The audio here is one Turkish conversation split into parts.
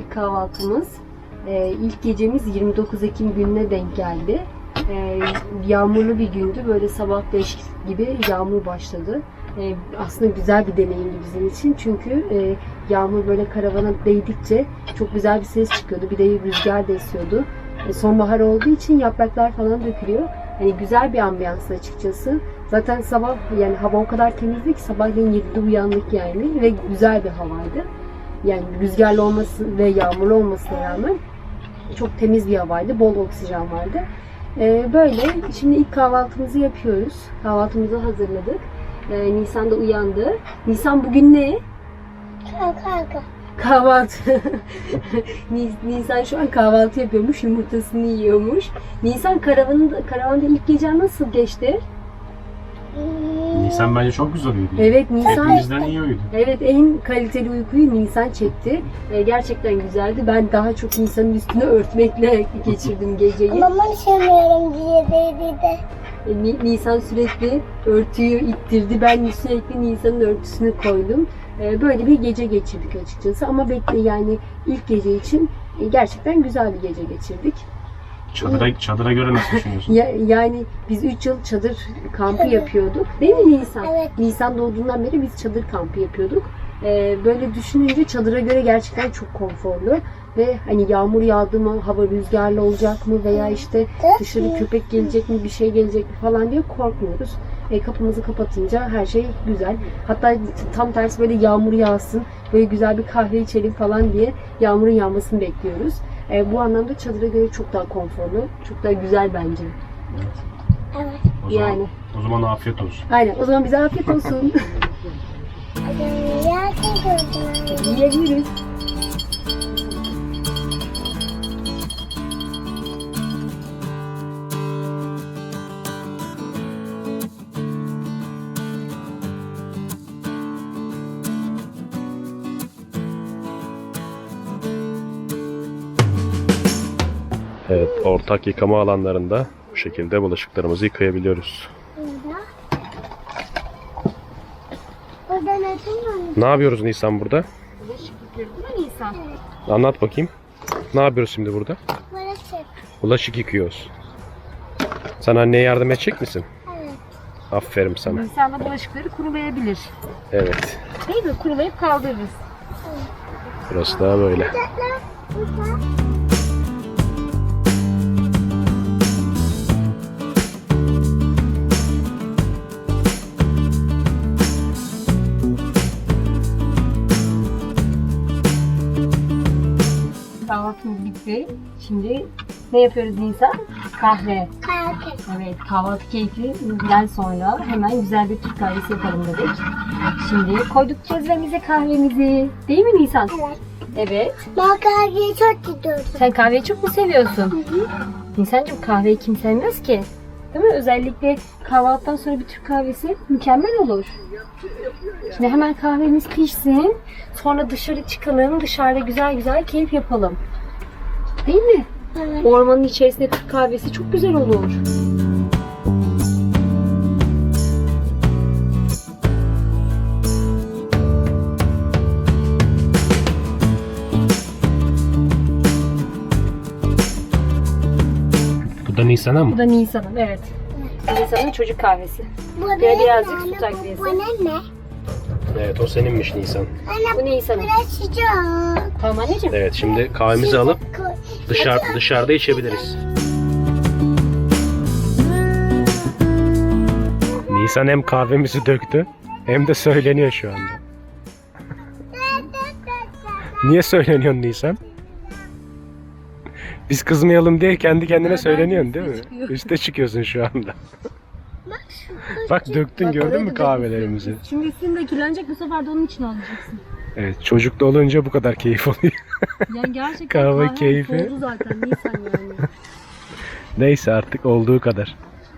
ilk kahvaltımız. İlk gecemiz 29 Ekim gününe denk geldi. Yağmurlu bir gündü. Böyle sabah 5 gibi yağmur başladı. Aslında güzel bir deneyimdi bizim için. Çünkü yağmur böyle karavana değdikçe çok güzel bir ses çıkıyordu. Bir de rüzgar da esiyordu. Sonbahar olduğu için yapraklar falan dökülüyor. Hani güzel bir ambiyanstı açıkçası. Zaten sabah yani hava o kadar temizdi ki sabahleyin 7'de uyandık yani ve güzel bir havaydı. Yani rüzgarlı olması ve yağmurlu olmasına rağmen çok temiz bir havaydı. Bol oksijen vardı. Böyle şimdi ilk kahvaltımızı yapıyoruz. Kahvaltımızı hazırladık. Nisan da uyandı. Nisan bugün ne? Kahvaltı. Nisan şu an kahvaltı yapıyormuş. Yumurtasını yiyormuş. Nisan karavanda ilk gece nasıl geçti? Nisan bence çok güzel uyudu. Evet, Nisan. Hepimizden iyi uyudu. Evet, en kaliteli uykuyu Nisan çekti. Gerçekten güzeldi. Ben daha çok Nisan'ın üstüne örtmekle geçirdim geceyi. Ama ben sevmiyorum diye de. Nisan sürekli örtüyü ittirdi. Ben sürekli Nisan'ın örtüsünü koydum. Böyle bir gece geçirdik açıkçası. Ama yani ilk gece için gerçekten güzel bir gece geçirdik. Çadıra göre nasıl düşünüyorsun? Yani biz 3 yıl çadır kampı yapıyorduk. Değil mi Nisan? Evet. Nisan doğduğundan beri biz çadır kampı yapıyorduk. Böyle düşününce çadıra göre gerçekten çok konforlu. Ve hani yağmur yağdı mı, hava rüzgarlı olacak mı veya işte dışarı köpek gelecek mi, bir şey gelecek mi falan diye korkmuyoruz. Kapımızı kapatınca her şey güzel. Hatta tam tersi böyle yağmur yağsın, böyle güzel bir kahve içelim falan diye yağmurun yağmasını bekliyoruz. Bu anlamda çadıra göre çok daha konforlu, çok daha güzel bence. Evet. O zaman afiyet olsun. Aynen. O zaman bize afiyet olsun. Yiyebiliriz. Evet, ortak yıkama alanlarında bu şekilde bulaşıklarımızı yıkayabiliyoruz. Ne yapıyoruz Nisan burada? Bulaşık yıkıyoruz değil mi Nisan? Anlat bakayım. Ne yapıyoruz şimdi burada? Bulaşık. Bulaşık yıkıyoruz. Sen anneye yardım edecek misin? Evet. Aferin sana. Nisan da bulaşıkları kurulayabilir. Evet. Değil mi? Kurulayıp kaldırırız. Burası da böyle. Kahvaltımız bitti. Şimdi ne yapıyoruz Nisan? Kahve. Evet, kahvaltı keyfinden sonra hemen güzel bir Türk kahvesi yapalım dedik. Şimdi koyduk cezvemize kahvemizi. Değil mi Nisan? Evet. Evet. Ben kahveyi çok gidiyorum. Sen kahveyi çok mu seviyorsun? Nisan'cığım kahveyi kim sevmez ki? Değil mi? Özellikle kahvaltıdan sonra bir Türk kahvesi mükemmel olur. Şimdi hemen kahvemiz pişsin. Sonra dışarı çıkalım. Dışarıda güzel güzel keyif yapalım. Değil mi? Evet. Ormanın içerisinde Türk kahvesi çok güzel olur. Bu da Nisan'a mı? Bu da Nisan'ın, evet. Nisan'ın çocuk kahvesi. Bu Birazcık su takviyesi. Bu ne? Evet, o seninmiş Nisan. Bu Nisan'ın. Biraz sıcak. Tamam anneciğim. Evet, şimdi kahvemizi alıp dışarıda içebiliriz. Nisan hem kahvemizi döktü hem de söyleniyor şu anda. Niye söyleniyorsun Nisan? Biz kızmayalım diye kendi kendine söyleniyorsun değil mi? Üste çıkıyorsun şu anda. Bak döktün, gördün mü kahvelerimizi? Şimdi üstün dökülecek, bu sefer de onun için alacaksın. Evet, çocuklu olunca bu kadar keyif oluyor. Yani gerçekten Kahve keyfi. Oldu zaten Nisan yani. Neyse artık olduğu kadar.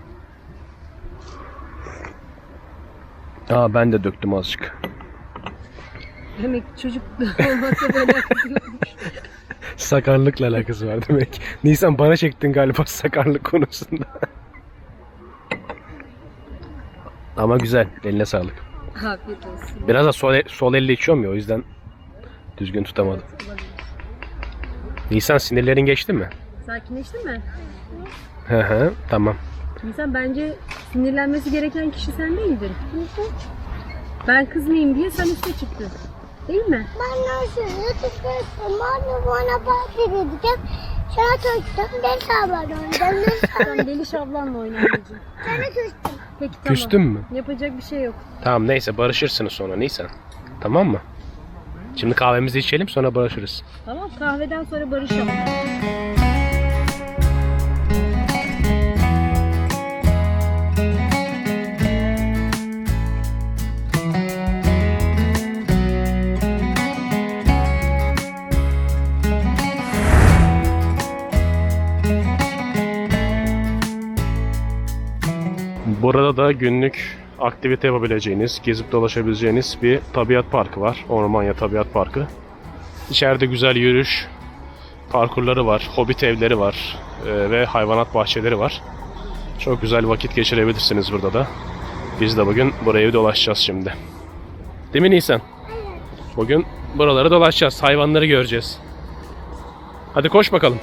Ben de döktüm azıcık. Demek çocuk olmakla böyle yapıyormuş. Sakarlıkla alakası var demek. Nisan, bana çektin galiba sakarlık konusunda. Ama güzel. Eline sağlık. Afiyet olsun. Biraz da sol elle içiyorum ya, o yüzden düzgün tutamadım. Nisan, sinirlerin geçti mi? Sakinleştin mi? Hı hı, tamam. Nisan, bence sinirlenmesi gereken kişi sen değildin. Ben kızmayayım diye sen üste çıktın. Değil mi? Ben nasıl tutuyorsun? Ben bana parti edeceğim. Sana tuttum. Ben sabah oynayacağım. Sen Deliş ablanla oynayacağım. Sana tuttum. Peki tamam. Küstün mü? Yapacak bir şey yok. Tamam, neyse, barışırsınız sonra Nisan. Tamam mı? Şimdi kahvemizi içelim, sonra barışırız. Tamam, kahveden sonra barışalım. Burada da günlük aktivite yapabileceğiniz, gezip dolaşabileceğiniz bir tabiat parkı var. Ormanya Tabiat Parkı. İçeride güzel yürüyüş parkurları var, hobbit evleri var ve hayvanat bahçeleri var. Çok güzel vakit geçirebilirsiniz burada da. Biz de bugün burayı dolaşacağız şimdi. Değil mi Nisan? Bugün buraları dolaşacağız, hayvanları göreceğiz. Hadi koş bakalım.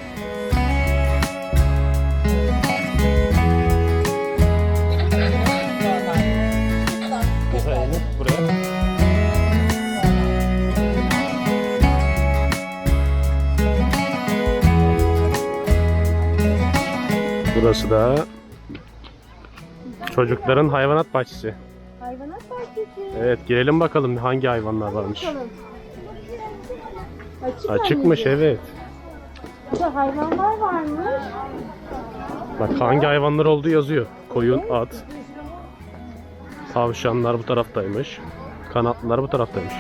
Burası da çocukların hayvanat bahçesi. Hayvanat bahçesi. Evet, girelim bakalım hangi hayvanlar varmış. Bakalım. Açıkmış, evet. Burada hayvanlar varmış. Bak, hangi hayvanlar olduğu yazıyor. Koyun, at. Tavşanlar bu taraftaymış. Kanatlılar bu taraftaymış.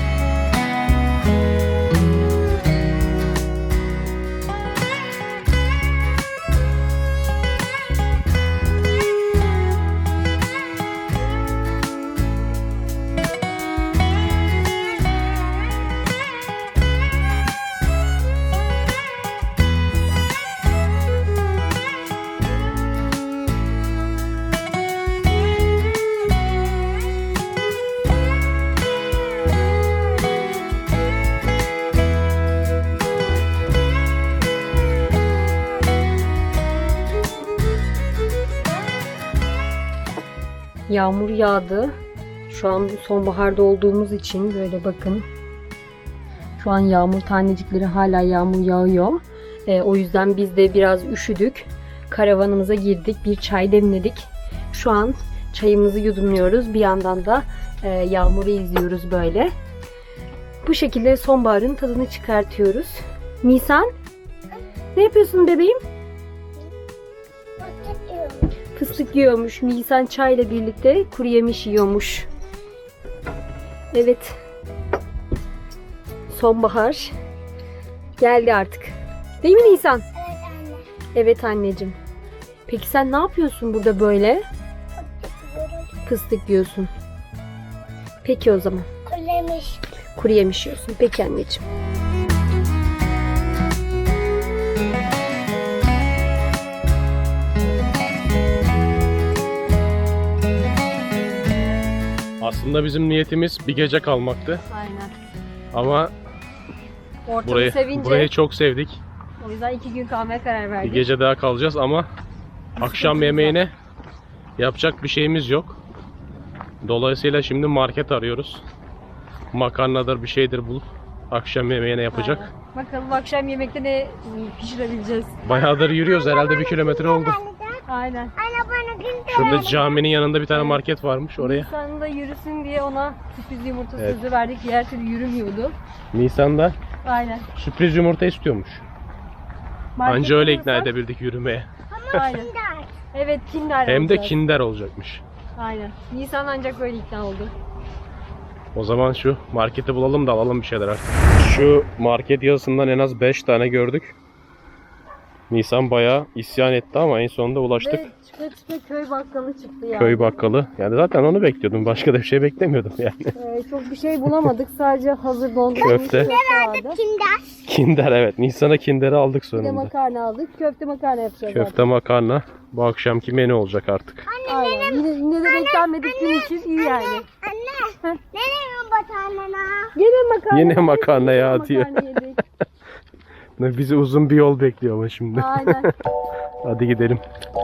Yağmur yağdı. Şu an sonbaharda olduğumuz için böyle bakın. Şu an yağmur tanecikleri, hala yağmur yağıyor. O yüzden biz de biraz üşüdük. Karavanımıza girdik. Bir çay demledik. Şu an çayımızı yudumluyoruz. Bir yandan da yağmuru izliyoruz böyle. Bu şekilde sonbaharın tadını çıkartıyoruz. Nisan, ne yapıyorsun bebeğim? Fıstık yiyormuş. Nisan çayla birlikte kuru yemiş yiyormuş. Evet. Sonbahar geldi artık. Değil mi Nisan? Evet anne. Evet anneciğim. Peki sen ne yapıyorsun burada böyle? Fıstık yiyorsun. Peki o zaman. Kulemiş. Kuru yemiş yiyorsun. Peki anneciğim. Aslında bizim niyetimiz bir gece kalmaktı. Aynen. Ama Ortamı sevince burayı çok sevdik. o yüzden 2 gün kalmaya karar Bir verdik. gece daha kalacağız ama akşam yemeğine yapacak bir şeyimiz yok. Dolayısıyla şimdi market arıyoruz. Makarnadır, bir şeydir bulup akşam yemeğine yapacak. Aynen. Bakalım akşam yemekte ne pişirebileceğiz. Bayağıdır yürüyoruz, herhalde 1 kilometre oldu. Aynen. Anne bana gün Şurada caminin yanında bir tane market varmış, oraya. Nisan'da yürüsün diye ona sürpriz yumurta Evet. sözü verdik. Diğer türlü yürümüyordu. Nisan'da Aynen. sürpriz yumurta istiyormuş. Markette Anca öyle ikna olursa- edebildik yürümeye. Aynen. Evet, Kinder Hem de alacağız. Kinder olacakmış. Aynen. Nisan ancak böyle ikna oldu. O zaman şu marketi bulalım da alalım bir şeyler artık. Şu market yazısından en az 5 tane gördük. Nisan bayağı isyan etti ama en sonunda ulaştık. Ve çıka çıka köy bakkalı çıktı yani. Köy bakkalı. Yani zaten onu bekliyordum. Başka da bir şey beklemiyordum yani. Çok bir şey bulamadık. Sadece hazır dondurulmuş Köfte. vardı. Kinder. Kinder, evet. Nisan'a Kinder'i aldık Bir de sonunda. makarna aldık. Köfte makarna yapacağız Köfte makarna. Bu akşamki menü olacak artık. Aynen. Yine de beklenmedik gün için iyi yani. Anne. Nereye batağına? Gene makarna. Yine makarna ya diyor. Makarna yedik. Bizi uzun bir yol bekliyor ama şimdi. Aynen. Hadi gidelim.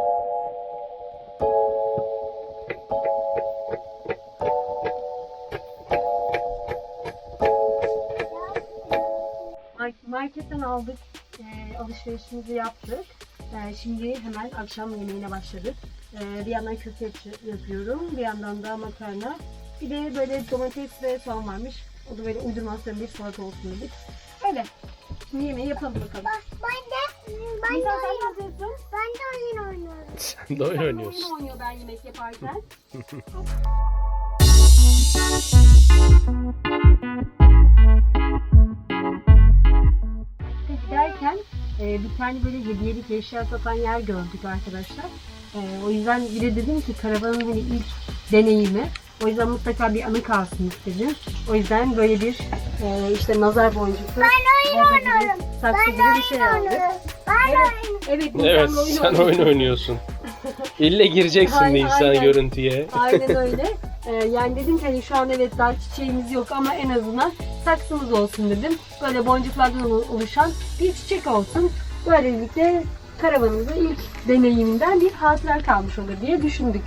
Marketten aldık, alışverişimizi yaptık. Şimdi hemen akşam yemeğine başladık. Bir yandan köfte yapıyorum, bir yandan da makarna. Bir de böyle domates ve soğan varmış. O da böyle uydurmasyon bir salata olsun dedik. Öyle. Şimdi yemeği yapalım bakalım. Ben de Nisa, sen ne oyun, yapıyorsun? ben de oyun oynuyorum. Sen de oyun oynuyorsun. Oyun oynuyor ben yemek yaparken. Giderken bir tane böyle hediyelik eşya satan yer gördük arkadaşlar. O yüzden bir de dedim ki karavanın hani ilk deneyimi. O yüzden mutlaka bir anı kalsın istedim. O yüzden böyle bir işte nazar boncuklu. Ben oyun oynuyorum. Saksı gibi bir şey aldık. Evet, Evet, Nisan'la sen oyun oynuyorsun. İlle gireceksin Aynen, Nisan aynen. görüntüye. Aynen öyle. Yani dedim ki hani şu an evet daha çiçeğimiz yok ama en azından saksımız olsun dedim. Böyle boncuklardan oluşan bir çiçek olsun. Böylelikle karavanımızın ilk deneyiminden bir hatıra kalmış olur diye düşündük.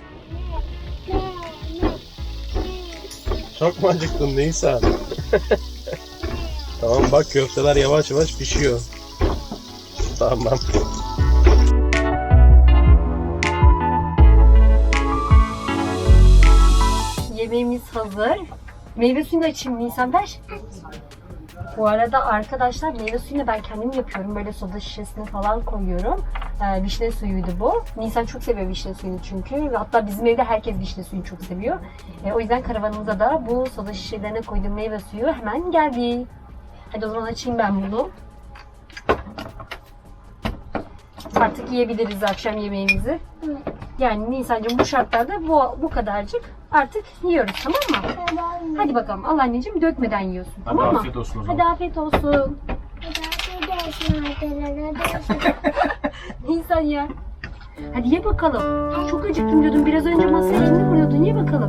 Çok mu acıktın Nisan? Tamam bak köfteler yavaş yavaş pişiyor. Tamam. Yemeğimiz hazır. Meyve suyunu da açayım Nisan ver. Bu arada arkadaşlar meyve suyunu ben kendim yapıyorum. Böyle soda şişesine falan koyuyorum. Vişne suyuydu bu. Nisan çok seviyor vişne suyunu çünkü. Hatta bizim evde herkes vişne suyunu çok seviyor. O yüzden karavanımıza da bu soda şişelerine koyduğum meyve suyu hemen geldi. Hadi o zaman açayım ben bunu. Artık yiyebiliriz akşam yemeğimizi. Yani Nisan'cığım bu şartlarda bu kadarcık artık yiyoruz, tamam mı? Hadi bakalım al anneciğim, dökmeden yiyorsun, tamam mı? Afiyet olsun o zaman. Hadi afiyet olsun. Nisan ya. Hadi ye bakalım. Çok acıktım diyordun. Biraz önce masaya elini vuruyordun. Ye bakalım.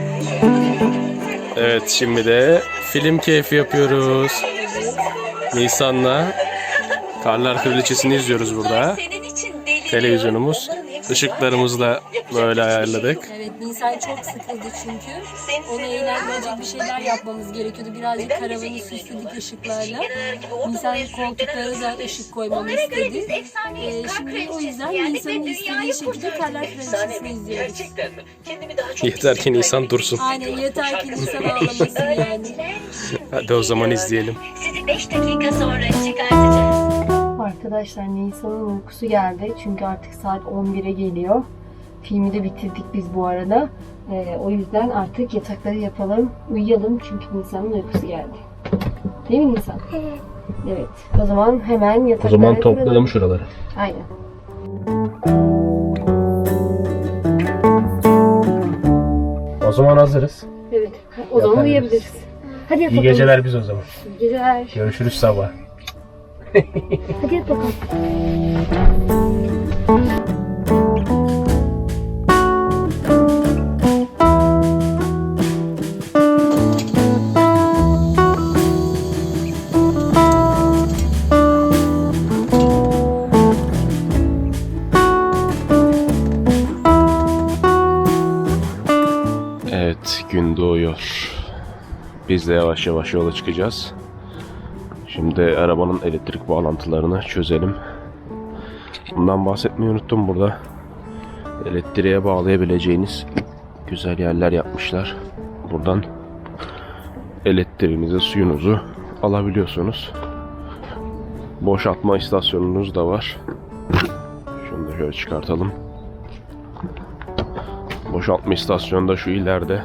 Evet şimdi de film keyfi yapıyoruz. Nisan'la Karlar Kraliçesi'ni izliyoruz burada. Televizyonumuz. Işıklarımızı da böyle ayarladık. Evet, Nisan çok sıkıldı çünkü. Ona eğlendirecek bir şeyler yapmamız gerekiyordu. Birazcık karavanı süsledik ışıklarla. Nisan koltuklara da ışık koymamı istedi. Şimdi o yüzden Nisan'ın istediği şekilde Karlar Kraliçesi'ni izliyoruz. Yeter ki Nisan dursun. Aynen, yeter ki Nisan ağlamasın yani. Hadi o zaman izleyelim. Sizi 5 dakika sonra çıkartacağız. Arkadaşlar Nisan'ın uykusu geldi. Çünkü artık saat 11'e geliyor. Filmi de bitirdik biz bu arada. O yüzden artık yatakları yapalım, uyuyalım. Çünkü Nisan'ın uykusu geldi. Değil mi Nisan? Evet. Evet. O zaman hemen yatakları kuralım. şuraları. Aynen. O zaman hazırız. Evet. O zaman Yaparız. uyuyabiliriz. Hadi yat İyi bakalım. geceler biz o zaman. İyi geceler. Görüşürüz sabah. Hadi yat bakalım. Evet, gün doğuyor. Biz de yavaş yavaş yola çıkacağız. Şimdi arabanın elektrik bağlantılarını çözelim. Bundan bahsetmeyi unuttum burada. Elektriğe bağlayabileceğiniz güzel yerler yapmışlar. Buradan elektriğinizi, suyunuzu alabiliyorsunuz. Boşaltma istasyonunuz da var. Şunu da şöyle çıkartalım. Boşaltma istasyonu da şu ileride.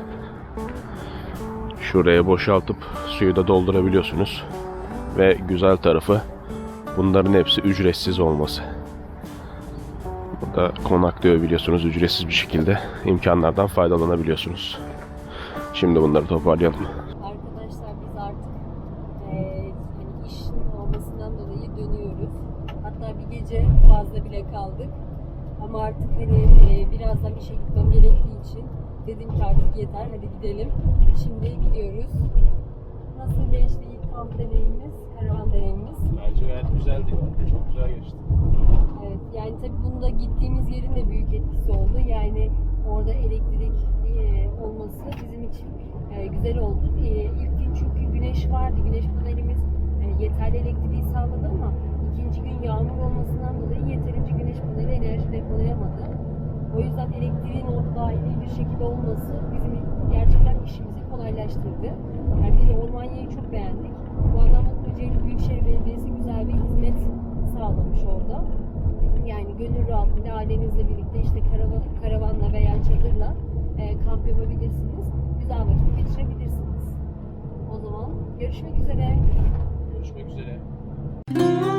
Şuraya boşaltıp suyu da doldurabiliyorsunuz. Ve güzel tarafı bunların hepsi ücretsiz olması. Burada konaklıyor biliyorsunuz, ücretsiz bir şekilde imkanlardan faydalanabiliyorsunuz. Şimdi bunları toparlayalım. Arkadaşlar biz artık hani işin olmasından dolayı dönüyoruz. Hatta bir gece fazla bile kaldık. Ama artık hani birazdan işe gitmem gerektiği için dedim ki artık yeter, hadi gidelim. Şimdi gidiyoruz. Nasıl geçti ilk kamp deneyimimiz? karavan deneyimimiz. Bence gayet güzeldi ya. Çok güzel geçti. Evet, yani tabii bunda gittiğimiz yerin de büyük etkisi oldu. Yani orada elektrik olması bizim için güzel oldu. İlk gün çünkü güneş vardı. Güneş panelimiz yeterli elektriği sağladı ama ikinci gün yağmur olmasından dolayı yeterince güneş paneli enerji depolayamadı. O yüzden elektriğin orada dahili bir şekilde olması bizim gerçekten işimizi kolaylaştırdı. Yani bir de Ormanya'yı çok beğendik. Bu anlamda Kocaeli Büyükşehir Belediyesi güzel bir hizmet sağlamış orada. Yani gönül rahatlığıyla ailenizle birlikte işte karavanla veya çadırla kamp yapabilirsiniz. Güzel vakit geçirebilirsiniz. O zaman görüşmek üzere. Görüşmek üzere.